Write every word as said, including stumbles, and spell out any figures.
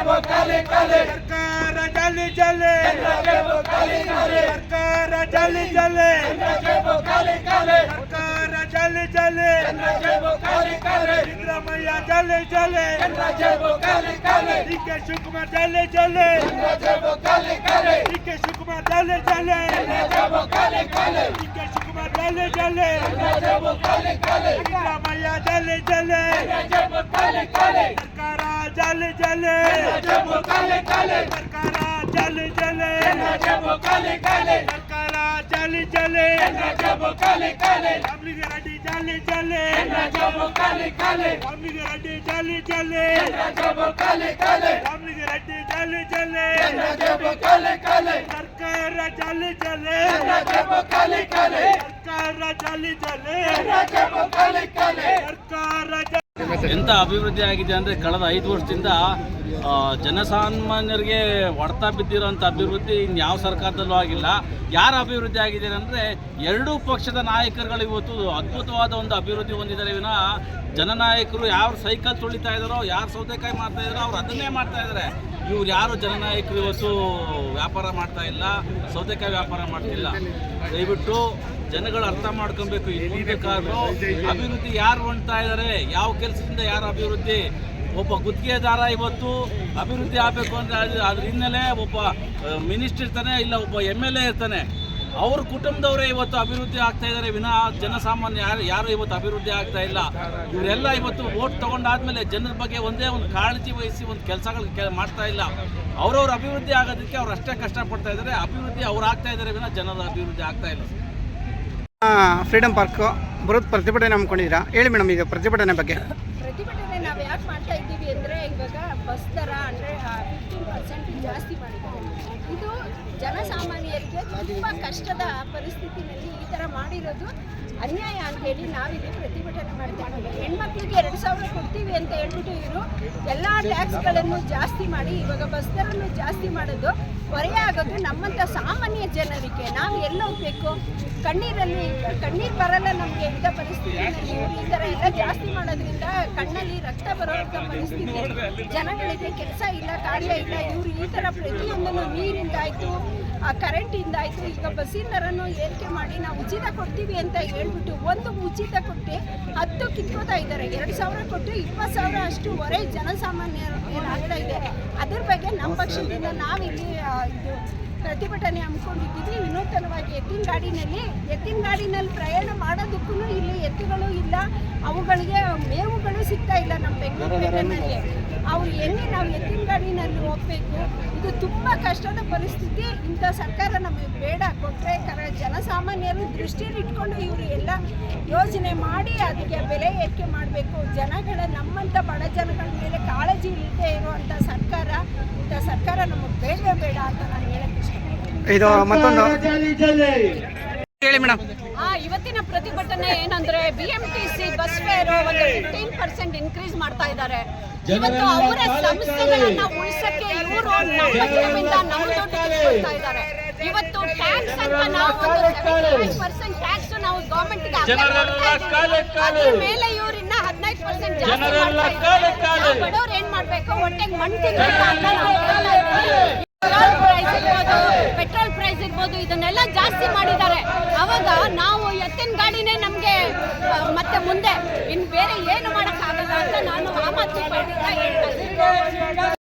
ಸರ್ಕಾರ ಜಲಿ ಜಲೆ ಸರ್ಕಾರ ಜಲಿ ಜಲೆ ಸರ್ಕಾರ ಜಲಿ ಜಲೆ ಸಿದ್ದರಾಮಯ್ಯ ಜಲೆ ಜಲೆ ಡಿ ಕೆ ಶಿವಕುಮಾರ್ ಜಲೆ ಜಲೆ ಡಿ ಕೆ ಶಿವಕುಮಾರ್ ಜಲೆ ಜಲೆ ಡಿ ಕೆ ಶಿವಕುಮಾರ್ ಜಲೆ ಜಲೆ ಸಿದ್ದರಾಮಯ್ಯ ಜಲೆ ಜಲೆ ಸರ್ಕಾರ ಜಲೆ ಜಲೆ ಸರ್ಕಾರ ಜಲೆ ಜಲೆ ಸರ್ಕಾರ ಜಲೆ ಜಲೆ ರಾಮಲಿಂಗ ರೆಡ್ಡಿ ಜಲೆ ಜಲೆ ರಾಮಲಿಂಗ ರೆಡ್ಡಿ ಜಲೆ ಜಲೆ ರಾಮಲಿಂಗ ರೆಡ್ಡಿ ಜಲೆ ಜಲೆ ಸರ್ಕಾರ ಜಲೆ ಜಲೆ ಸರ್ಕಾರ ಜಲೆ ಜಲೆ ಸರ್ಕಾರ ಎಂಥ ಅಭಿವೃದ್ಧಿ ಆಗಿದೆ ಅಂದರೆ ಕಳೆದ ಐದು ವರ್ಷದಿಂದ ಜನಸಾಮಾನ್ಯರಿಗೆ ಹೊಡೆತ ಬಿದ್ದಿರೋಂಥ ಅಭಿವೃದ್ಧಿ ಇನ್ಯಾವ ಸರ್ಕಾರದಲ್ಲೂ ಆಗಿಲ್ಲ. ಯಾರು ಅಭಿವೃದ್ಧಿ ಆಗಿದೆ ಅಂದರೆ ಎರಡೂ ಪಕ್ಷದ ನಾಯಕರುಗಳು ಇವತ್ತು ಅದ್ಭುತವಾದ ಒಂದು ಅಭಿವೃದ್ಧಿ ಹೊಂದಿದ್ದಾರೆ ವಿನ ಜನನಾಯಕರು ಯಾರು ಸೈಕಲ್ ತುಳಿತಾ ಇದ್ದಾರೋ, ಯಾರು ಸೌತೆಕಾಯಿ ಮಾಡ್ತಾ ಇದ್ದಾರೋ ಅವ್ರು ಅದನ್ನೇ ಮಾಡ್ತಾ ಇದ್ದಾರೆ. ಇವ್ರು ಯಾರು ಜನನಾಯಕರು ಇವತ್ತು ವ್ಯಾಪಾರ ಮಾಡ್ತಾ ಇಲ್ಲ, ಸೌತೆಕಾಯಿ ವ್ಯಾಪಾರ ಮಾಡ್ತಿಲ್ಲ. ದಯವಿಟ್ಟು ಜನಗಳು ಅರ್ಥ ಮಾಡ್ಕೊಬೇಕು. ಇಲ್ಲಿ ಬೇಕಾದ್ರೂ ಅಭಿವೃದ್ಧಿ ಯಾರು ಹೊಂದ್ತಾ ಇದ್ದಾರೆ, ಯಾವ ಕೆಲಸದಿಂದ ಯಾರು ಅಭಿವೃದ್ಧಿ. ಒಬ್ಬ ಗುತ್ತಿಗೆದಾರ ಇವತ್ತು ಅಭಿವೃದ್ಧಿ ಆಗಬೇಕು ಅಂದರೆ ಅದು ಅದ್ರ ಹಿನ್ನೆಲೆ ಒಬ್ಬ ಮಿನಿಸ್ಟರ್ ಇರ್ತಾನೆ, ಇಲ್ಲ ಒಬ್ಬ ಎಮ್ ಎಲ್ ಎ ಇರ್ತಾನೆ, ಅವ್ರ ಕುಟುಂಬದವರೇ ಇವತ್ತು ಅಭಿವೃದ್ಧಿ ಆಗ್ತಾ ಇದ್ದಾರೆ ವಿನ ಜನಸಾಮಾನ್ಯ ಯಾರು ಯಾರು ಇವತ್ತು ಅಭಿವೃದ್ಧಿ ಆಗ್ತಾ ಇಲ್ಲ. ಇವರೆಲ್ಲ ಇವತ್ತು ವೋಟ್ ತೊಗೊಂಡಾದ್ಮೇಲೆ ಜನರ ಬಗ್ಗೆ ಒಂದೇ ಒಂದು ಕಾಳಜಿ ವಹಿಸಿ ಒಂದು ಕೆಲಸಗಳು ಕೆ ಮಾಡ್ತಾ ಇಲ್ಲ. ಅವ್ರವ್ರ ಅಭಿವೃದ್ಧಿ ಆಗೋದಕ್ಕೆ ಅವ್ರು ಅಷ್ಟೇ ಕಷ್ಟಪಡ್ತಾ ಇದ್ದಾರೆ. ಅಭಿವೃದ್ಧಿ ಅವ್ರು ಆಗ್ತಾ ಇದ್ದಾರೆ ವಿನ ಜನರ ಅಭಿವೃದ್ಧಿ ಆಗ್ತಾ ಇಲ್ಲ. ಫ್ರೀಡಮ್ ಪಾರ್ಕ್ ಬರೋದು ಪ್ರತಿಭಟನೆ ಹಮ್ಮಿಕೊಂಡಿದ್ದೀರಾ, ಹೇಳಿ ಮೇಡಮ್ ಈಗ ಪ್ರತಿಭಟನೆ ಬಗ್ಗೆ. ಪ್ರತಿಭಟನೆ ನಾವು ಯಾಕೆ ಮಾಡ್ತಾ ಇದ್ದೀವಿ ಅಂದರೆ ಇವಾಗ ಬಸ್ ದರ ಅಂದರೆ ಫಿಫ್ಟೀನ್ ಪರ್ಸೆಂಟ್ ಜಾಸ್ತಿ ಮಾಡಿದ್ದಾರೆ. ಇದು ಜನಸಾಮಾನ್ಯರಿಗೆ ತುಂಬ ಕಷ್ಟದ ಪರಿಸ್ಥಿತಿನಲ್ಲಿ ಈ ಥರ ಮಾಡಿರೋದು ಅನ್ಯಾಯ ಅಂತೇಳಿ ನಾವಿಲ್ಲಿ ಪ್ರತಿಭಟನೆ ಮಾಡ್ತಾ ಇದ್ದೀವಿ. ಹೆಣ್ಮಕ್ಳಿಗೆ ಎರಡು ಸಾವಿರ ಕೊಡ್ತೀವಿ ಅಂತ ಹೇಳ್ಬಿಟ್ಟು ಇವರು ಎಲ್ಲ ಟ್ಯಾಕ್ಸ್ಗಳನ್ನು ಜಾಸ್ತಿ ಮಾಡಿ ಇವಾಗ ಬಸ್ ದರನ್ನು ಜಾಸ್ತಿ ಮಾಡೋದು ಹೊರೆ ಆಗೋದು ನಮ್ಮಂಥ ಸಾಮಾನ್ಯ ಜನರಿಗೆ. ನಾವು ಎಲ್ಲ ಹೋಗ್ಬೇಕು, ಕಣ್ಣೀರಲ್ಲಿ ಕಣ್ಣೀರು ಬರಲ್ಲ ನಮಗೆ ಇಂಥ ಪರಿಸ್ಥಿತಿಯಲ್ಲಿ. ಇವರು ಈ ಥರ ಎಲ್ಲ ಜಾಸ್ತಿ ಮಾಡೋದ್ರಿಂದ ಕಣ್ಣಲ್ಲಿ ರಕ್ತ ಬರೋಂಥ ಪರಿಸ್ಥಿತಿ. ಜನಗಳಿಗೆ ಕೆಲಸ ಇಲ್ಲ, ಕಾರ್ಯ ಇಲ್ಲ. ಇವರು ಈ ಥರ ಪ್ರತಿಯೊಂದನ್ನು ನೀರಿಂದಾಯಿತು, ಆ ಕರೆಂಟಿಂದಾಯಿತು, ಈಗ ಬಸ್ಸಿನ ದರನ್ನು ಏರಿಕೆ ಮಾಡಿ ನಾವು ಉಚಿತ ಕೊಡ್ತೀವಿ ಅಂತ ಹೇಳ್ಬಿಟ್ಟು ಒಂದು ಉಚಿತ ಕೊಟ್ಟು ಹತ್ತು ಕಿತ್ಕೋತಾ ಇದ್ದಾರೆ. ಎರಡು ಸಾವಿರ ಕೊಟ್ಟು ಇಪ್ಪತ್ತು ಸಾವಿರ ಅಷ್ಟು ಹೊರೆ ಜನಸಾಮಾನ್ಯರ ಮೇಲೆ ಆಗ್ತಾ ಇದೆ. ಅದ್ರ ಬಗ್ಗೆ ನಮ್ಮ ಪಕ್ಷದಿಂದ ನಾವಿಲ್ಲಿ ಇದು ಪ್ರತಿಭಟನೆ ಹಮ್ಮಿಕೊಂಡಿದ್ದೀವಿ. ವಿನೂತನವಾಗಿ ಎತ್ತಿನ ಗಾಡಿನಲ್ಲಿ ಎತ್ತಿನ ಗಾಡಿನಲ್ಲಿ ಪ್ರಯಾಣ ಮಾಡೋದಕ್ಕೂ ಇಲ್ಲಿ ಎತ್ತುಗಳು ಇಲ್ಲ, ಅವುಗಳಿಗೆ ಮೇವುಗಳು ಸಿಗ್ತಾ ಇಲ್ಲ. ನಮ್ಮ ಬೆಂಗಳೂರು ಪೇಟೆನಲ್ಲಿ ಅವ್ರು ಎಲ್ಲಿ ನಾವು ಎತ್ತಿನ ಗಾಡಿನಲ್ಲಿ ಹೋಗಬೇಕು, ಇದು ತುಂಬ ಕಷ್ಟದ ಪರಿಸ್ಥಿತಿ. ಇಂಥ ಸರ್ಕಾರ ನಮಗೆ ಬೇಡ. ಕೊಟ್ಟರೆ ಕರ ಜನಸಾಮಾನ್ಯರು ದೃಷ್ಟಿಯಲ್ಲಿಟ್ಕೊಂಡು ಇವರು ಎಲ್ಲ ಯೋಜನೆ ಮಾಡಿ ಅದಕ್ಕೆ ಬೆಲೆ ಏರಿಕೆ ಮಾಡಬೇಕು. ಜನಗಳ ನಮ್ಮಂಥ ಬಡ ಜನಗಳ ಮೇಲೆ ಕಾಳಜಿ ಇಲ್ಲದೆ ಇರುವಂಥ ಸರ್ಕಾರ, ಇಂಥ ಸರ್ಕಾರ ನಮಗೆ ಬೇಡವೇ ಬೇಡ ಅಂತ ನಾನು ಹೇಳಕ್ಕೆ ಇಷ್ಟಪಡ್ತೀನಿ. ಇದು ಮತ್ತೊಂದು ಹೇಳಿ ಮೇಡಮ್. ಆ ಇವತ್ತಿನ ಪ್ರತಿಭಟನೆ ಏನಂದ್ರೆ B M T C bus fare ಒಂದು ಫಿಫ್ಟೀನ್ ಪರ್ಸೆಂಟ್ ಇನ್ಕ್ರೀಸ್ ಮಾಡ್ತಾ ಇದ್ದಾರೆ. ಇವತ್ತು ಅವರ ಸಂಸ್ಥೆಗಳನ್ನ ಉಳಿಸಕ್ಕೆ ಇವರು ನಮ್ಮ ಜೀವನದಿಂದ ನಮ್ಮ ದುಡ್ಡು ಕೊಡ್ತಾ ಇದ್ದಾರೆ. ಇವತ್ತು ಟ್ಯಾಕ್ಸ್ ಅಂತ ನಾವು ಒಂದು ಸೆವೆಂಟಿ ಪರ್ಸೆಂಟ್ ಟ್ಯಾಕ್ಸ್ ನಾವು ಗವರ್ಮೆಂಟ್ಗೆ ಅದ್ರ ಮೇಲೆ ಇವ್ರು ಇನ್ನ ಹದಿನೈದು ಪರ್ಸೆಂಟ್ ಜಾಸ್ತಿ ಮಾಡ್ತಾ ಇದ್ದಾರೆ. ಬಡವ್ರು ಏನ್ ಮಾಡ್ಬೇಕು, ಹೊಟ್ಟೆಗೆ ಮಣ್ಣು ತಿನ್ಬೇಕು ಅಂತ ನಾವು ಹೇಳ್ತಾ ಇದ್ದೀವಿ. ಪ್ರೈಸ್ ಇರ್ಬೋದು, ಪೆಟ್ರೋಲ್ ಪ್ರೈಸ್ ಇರ್ಬೋದು, ಇದನ್ನೆಲ್ಲ ಜಾಸ್ತಿ ಮಾಡಿದ್ದಾರೆ. ಅವಾಗ ನಾವು ಎತ್ತಿನ ಗಾಡಿನೇ ನಮಗೆ ಮತ್ತೆ ಮುಂದೆ ಇನ್ನು ಬೇರೆ ಏನು ಮಾಡೋಕ್ಕಾಗಲ್ಲ ಅಂತ ನಾನು ಆ ಮಾತು ಹೇಳ್ತಾ ಇದ್ದೀನಿ.